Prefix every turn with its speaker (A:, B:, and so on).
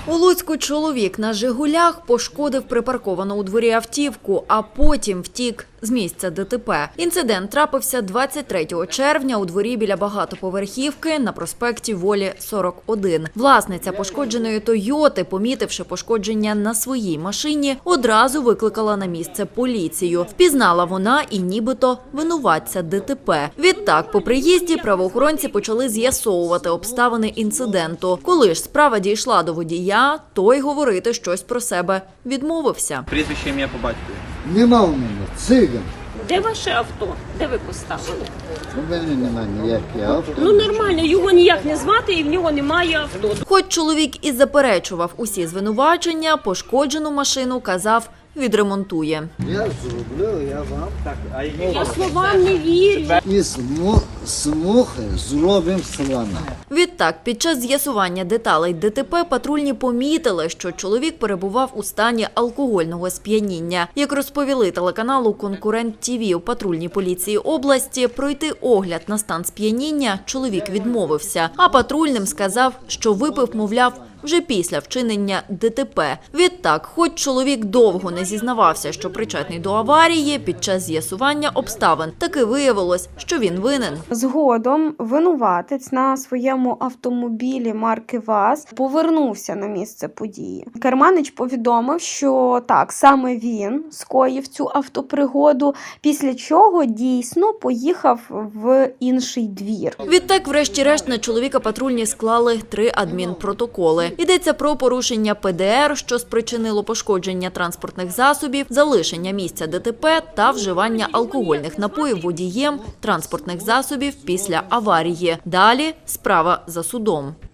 A: У Луцьку чоловік на «Жигулях» пошкодив припарковану у дворі автівку, а потім втік з місця ДТП. Інцидент трапився 23 червня у дворі біля багатоповерхівки на проспекті Волі, 41. Власниця пошкодженої «Тойоти», помітивши пошкодження на своїй машині, одразу викликала на місце поліцію. Впізнала вона і нібито винуватця ДТП. Відтак, по приїзді правоохоронці почали з'ясовувати обставини інциденту. Коли ж справа дійшла до водія, той говорити щось про себе відмовився.
B: Прізвище, ім'я по батькові.
C: Нема в мене, циган.
D: Де ваше авто? Де ви поставили?
C: У мене нема ніяких авто.
D: Ну нормально, його ніяк не звати і в нього немає авто.
A: Хоч чоловік і заперечував усі звинувачення, пошкоджену машину, казав, відремонтує.
C: Я зроблю, я вам.
D: Я словам не вірю.
C: І смухи зробимо слона.
A: Відтак, під час з'ясування деталей ДТП патрульні помітили, що чоловік перебував у стані алкогольного сп'яніння. Як розповіли телеканалу «Конкурент ТВ» у патрульній поліції області, пройти огляд на стан сп'яніння чоловік відмовився, а патрульним сказав, що випив, мовляв, вже після вчинення ДТП. Відтак, хоч чоловік довго не зізнавався, що причетний до аварії, під час з'ясування обставин таки виявилось, що він винен.
E: Згодом винуватець на своєму автомобілі марки ВАЗ повернувся на місце події. Керманич повідомив, що так, саме він скоїв цю автопригоду, після чого дійсно поїхав в інший двір.
A: Відтак, врешті-решт, на чоловіка патрульні склали 3 адмінпротоколи. Йдеться про порушення ПДР, що спричинило пошкодження транспортних засобів, залишення місця ДТП та вживання алкогольних напоїв водієм транспортних засобів після аварії. Далі справа за судом.